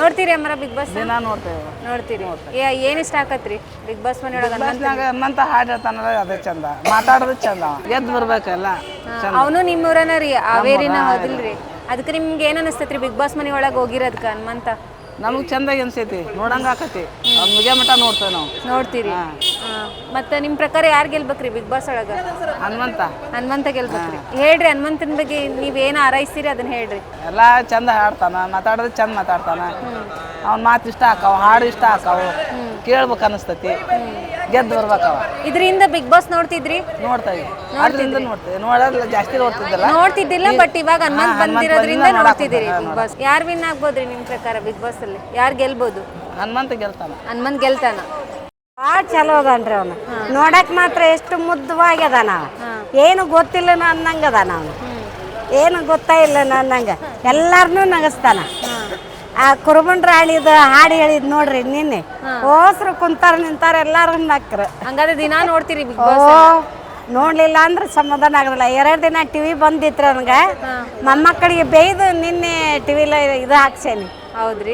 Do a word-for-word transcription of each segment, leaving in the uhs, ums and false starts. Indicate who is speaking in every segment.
Speaker 1: ನೋಡ್ತೀರಿ ಅಮ್ಮರ big boss
Speaker 2: ದಿನ ನೋಡ್ತೇವೆ
Speaker 1: ನೋಡ್ತೀರಿ ಏನ್ ಇಷ್ಟ ಆಕತ್ರಿ ಬಿಗ್ ಬಾಸ್ ಮನೆಯೊಳಗ
Speaker 2: ಬಸ್ನಾಗ ಹನುಮಂತ ಹಾಡು ಹೇಳ್ತಾನಲ್ಲ ಅದೇ ಚಂದ ಮಾತಾಡೋದು ಚಂದ ಗೆದ್ದು ಬರ್ಬೇಕಲ್ಲ
Speaker 1: ಅವನು ನಿಮ್ಮೂರನ ರೀ ಹಾವೇರಿನ ಹೌದಿಲ್ರಿ ಅದಕ್ಕೆ ನಿಮ್ಗೆ ಏನ್ ಅನಿಸ್ತೈತ್ರಿ ಬಿಗ್ ಬಾಸ್ ಮನೆ ಒಳಗೆ ಹೋಗಿರೋದಕ್ಕ ಹನುಮಂತ
Speaker 2: ನಮಗೆ ಚಂದಾಗಿ ಅನ್ಸೈತಿ ನೋಡಂಗ ಆಕತಿ ಮುಗಿಯ ಮಟ ನೋಡ್ತೇವೆ ನಾವು
Speaker 1: ನೋಡ್ತೀರಿ ಮತ್ತೆ ನಿಮ್ ಪ್ರಕಾರ ಯಾರು ಗೆಲ್ಬೇಕ್ರಿ ಬಿಗ್ ಬಾಸ್ ಒಳಗ
Speaker 2: ಹನುಮಂತ
Speaker 1: ಹನುಮಂತ ಗೆಲ್ಬೇಕ್ರಿ ಹೇಳ್ರಿ ಹನುಮಂತನ ಬಗ್ಗೆ ನೀವ್ ಏನ್ ಹಾರೈಸ್ತೀರಿ ಅದನ್ನ ಹೇಳ್ರಿ
Speaker 2: ಎಲ್ಲ ಚಂದ ಹಾಡ್ತಾನ ಮಾತಾಡೋದು ಚಂದ ಮಾತಾಡ್ತಾನ ಅವ್ನ ಮಾತು ಇಷ್ಟ ಆಕಾವ ಹಾಡು ಇಷ್ಟ ಆಕಾವು ಕೇಳ್ಬೇಕು ಅನಿಸ್ತತಿ ಗೆದ್ದು ಬರ್ಬೇಕವ
Speaker 1: ಇದರಿಂದ ಬಿಗ್ ಬಾಸ್ ನೋಡ್ತಿದ್ರಿ
Speaker 2: ನೋಡ್ತಾವಿ ಅದರಿಂದ ನೋಡ್ತೇವೆ ನೋಡೋದಿಲ್ಲ ಜಾಸ್ತಿ ನೋಡ್ತಿದ್ದಲ್ಲ
Speaker 1: ನೋಡ್ತಿದ್ದಿಲ್ಲ ಬಟ್ ಇವಾಗ ಹನುಮಂತ್ ಬಂದಿರೋದ್ರಿಂದ ನೋಡ್ತಿದ್ದೀರಿ ಬಿಗ್ ಬಾಸ್ ಯಾರು ವಿನ್ ಆಗ್ಬೋದ್ರಿ ನಿಮ್ ಪ್ರಕಾರ ಬಿಗ್ ಬಾಸ್ ಅಲ್ಲಿ ಯಾರು ಗೆಲ್ಬಹುದು
Speaker 2: ಹನುಮಂತ ಗೆಲ್ತಾನ
Speaker 1: ಹನುಮಂತ್ ಗೆಲ್ತಾನ
Speaker 3: ಭಾಳ ಚಲೋ ಅದನ್ರಿ ಅವನು ನೋಡಕ್ ಮಾತ್ರ ಎಷ್ಟು ಮುದ್ದವಾಗ್ಯದಾನ ಏನು ಗೊತ್ತಿಲ್ಲ ಅನ್ನಂಗ ಅದಾನ ಅವನು ಏನು ಗೊತ್ತಾ ಇಲ್ಲ ಅನ್ನಂಗ ಎಲ್ಲಾರನ್ನೂ ನಗಸ್ತಾನ ಆ ಕುರುಬನ್ ರಾಣಿದ ಹಾಡು ಹೇಳಿದ್ ನೋಡ್ರಿ ನಿನ್ನೆ ಹೋಸ್ರು ಕುಂತಾರ ನಿಂತಾರ ಎಲ್ಲಾರು ನಕ್ರ
Speaker 1: ಹಂಗಾದ್ರೆ ದಿನಾ ನೋಡ್ತೀರಿ ಬಿಗ್
Speaker 3: ಓ
Speaker 1: ಬಾಸ್
Speaker 3: ನೋಡ್ಲಿಲ್ಲ ಅಂದ್ರೆ ಸಮಾಧಾನ ಆಗೋದಿಲ್ಲ ಎರಡು ದಿನ ಟಿವಿ ಬಂದಿತ್ತು ನನಗೆ ಮೊಮ್ಮಕ್ಕಳಿಗೆ ಬೇಯ್ದು ನಿನ್ನೆ ಟಿವಿಲ ಇದು ಹಾಕ್ಸೇನಿ
Speaker 1: ಹೌದ್ರಿ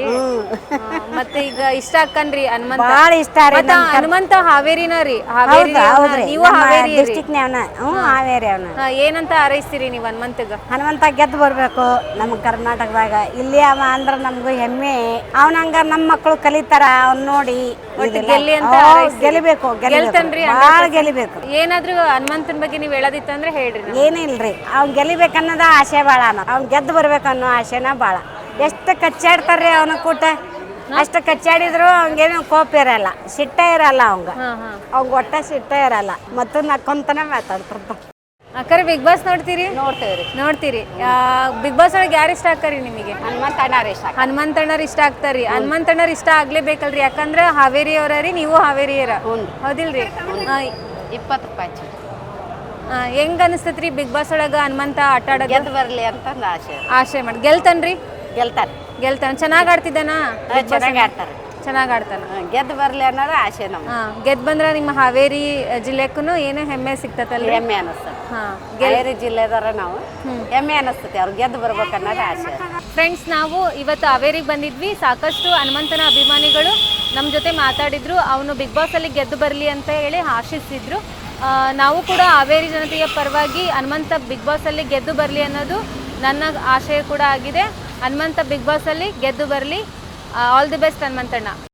Speaker 1: ಮತ್ತೆ ಈಗ ಇಷ್ಟ ಅಕ್ಕನ್ರಿ ಹನುಮಂತ
Speaker 3: ಭಾಳ ಇಷ್ಟ ರೀ
Speaker 1: ಮತ್ತ ಹನುಮಂತ ಹಾವೇರಿನ ರೀ ಹಾವೇರಿ
Speaker 3: ಹೌದ್ರಿ
Speaker 1: ನೀವು ಹಾವೇರಿ
Speaker 3: ಡಿಸ್ಟಿಕ್ ಅವನ ಹ್ಞೂ ಹಾವೇರಿ ಅವನ
Speaker 1: ಏನಂತ ಹಾರೈಸ್ತೀರಿ ನೀವು ಹನುಮಂತಗ
Speaker 3: ಹನುಮಂತ ಗೆದ್ದು ಬರ್ಬೇಕು ನಮ್ಮ ಕರ್ನಾಟಕದಾಗ ಇಲ್ಲಿ ಅವ ಅಂದ್ರೆ ನಮ್ಗೂ ಹೆಮ್ಮೆ ಅವನಂಗ ನಮ್ಮ ಮಕ್ಕಳು ಕಲಿತಾರ ಅವ್ನ ನೋಡಿ
Speaker 1: ಗೆಲ್ಲಿ ಅಂತ
Speaker 3: ಗೆಲಿಬೇಕು
Speaker 1: ಗೆಲ್ತನ್ರಿ
Speaker 3: ಭಾಳ ಗೆಲಿಬೇಕು
Speaker 1: ಏನಾದ್ರೂ ಹನುಮಂತನ ಬಗ್ಗೆ ನೀವು ಹೇಳೋದಿತ್ತಂದ್ರೆ ಹೇಳ್ರಿ
Speaker 3: ಏನಿಲ್ರಿ ಅವ್ನ್ ಗೆಲಿಬೇಕನ್ನೋದ ಆಸೆ ಭಾಳ ಅವ್ನ್ ಗೆದ್ದು ಬರ್ಬೇಕನ್ನೋ ಆಸೆನ ಭಾಳ ಎಷ್ಟು ಕಚ್ಚಾಡ್ತಾರ್ರಿ ಅವನ ಕೂಟ ಅಷ್ಟು ಕಚ್ಚಾಡಿದ್ರು ಅವ್ಗೇನು ಕೋಪ ಇರಲ್ಲ ಸಿಟ್ಟ ಇರಲ್ಲ ಅವಂಗ ಅವಂಗ ಒಟ್ಟ ಸಿಟ್ಟ ಇರಲ್ಲ ಮತ್ತು ನಕ್ಕೊಂತಾನೆ ಮಾತಾಡ್ತಿರ್ತ
Speaker 1: ಅಕ್ಕರೆ ಬಿಗ್ ಬಾಸ್ ನೋಡ್ತೀರಿ
Speaker 3: ನೋಡ್ತೇವ್ರಿ
Speaker 1: ನೋಡ್ತೀರಿ ಬಿಗ್ ಬಾಸ್ ಒಳಗೆ ಯಾರು ಇಷ್ಟ ಆಕ್ಕಾರಿ ನಿಮಗೆ
Speaker 3: ಹನುಮಂತಣ್ಣಾರ ಇಷ್ಟ
Speaker 1: ಹನುಮಂತಣ್ಣರ್ ಇಷ್ಟ ಆಗ್ತಾರಿ ಹನುಮಂತಣ್ಣರ್ ಇಷ್ಟ ಆಗ್ಲೇಬೇಕಲ್ರಿ ಯಾಕಂದ್ರೆ ಹಾವೇರಿ ಅವರೀ ನೀವು ಹಾವೇರಿಯರ ಹೌದಿಲ್ರಿ
Speaker 3: ಇಪ್ಪತ್ತು ರೂಪಾಯಿ
Speaker 1: ಹೆಂಗ್ ಅನಿಸ್ತೈತ್ರಿ ಬಿಗ್ ಬಾಸ್ ಒಳಗ ಹನುಮಂತ ಆಟ ಆಡೋದು
Speaker 3: ಗೆದ್ದು ಬರಲಿ ಅಂತ ಆಸೆ
Speaker 1: ಆಸೆ ಮಾಡಿ ಗೆಲ್ತನ್ರಿ
Speaker 3: ಗೆಲ್ತಾರೆ
Speaker 1: ಗೆಲ್ತಾನ ಚೆನ್ನಾಗ್ ಆಡ್ತಿದ್ದಾನ
Speaker 3: ಚೆನ್ನಾಗಿ ಆಡ್ತಾರೆ
Speaker 1: ಚೆನ್ನಾಗ್ ಆಡ್ತಾನ
Speaker 3: ಗೆದ್ದು ಬರಲಿ ಅನ್ನೋದು ಆಸೆ ನಮ್ಮ
Speaker 1: ಹಾ ಗೆದ್ ಬಂದ್ರ ನಿಮ್ಮ ಹಾವೇರಿ ಜಿಲ್ಲೆಕ್ಕೂ ಏನೋ ಹೆಮ್ಮೆ ಸಿಗ್ತತಲ್ಲ
Speaker 3: ಹೆಮ್ಮೆ ಅನಿಸ್ತದೆ
Speaker 1: ಹಾ
Speaker 3: ಹಾವೇರಿ ಜಿಲ್ಲೆದಾರ ನಾವು ಹೆಮ್ಮೆ ಅನಿಸ್ತದೆ ಅವ್ರು ಗೆದ್ದು ಬರ್ಬೇಕು ಅನ್ನೋದು ಆಸೆ
Speaker 1: ಫ್ರೆಂಡ್ಸ್ ನಾವು ಇವತ್ತು ಹಾವೇರಿಗೆ ಬಂದಿದ್ವಿ ಸಾಕಷ್ಟು ಹನುಮಂತನ ಅಭಿಮಾನಿಗಳು ನಮ್ಮ ಜೊತೆ ಮಾತಾಡಿದ್ರು ಅವನು ಬಿಗ್ ಬಾಸ್ ಅಲ್ಲಿ ಗೆದ್ದು ಬರಲಿ ಅಂತ ಹೇಳಿ ಆಶಿಸಿದ್ರು ನಾವು ಕೂಡ ಹಾವೇರಿ ಜನತೆಯ ಪರವಾಗಿ ಹನುಮಂತ ಬಿಗ್ ಬಾಸ್ ಅಲ್ಲಿ ಗೆದ್ದು ಬರಲಿ ಅನ್ನೋದು ನನ್ನ ಆಶಯ ಕೂಡ ಆಗಿದೆ ಹನುಮಂತ ಬಿಗ್ ಬಾಸ್ ಅಲ್ಲಿ ಗೆದ್ದು ಬರಲಿ ಆಲ್ ದಿ ಬೆಸ್ಟ್ ಹನುಮಂತಣ್ಣ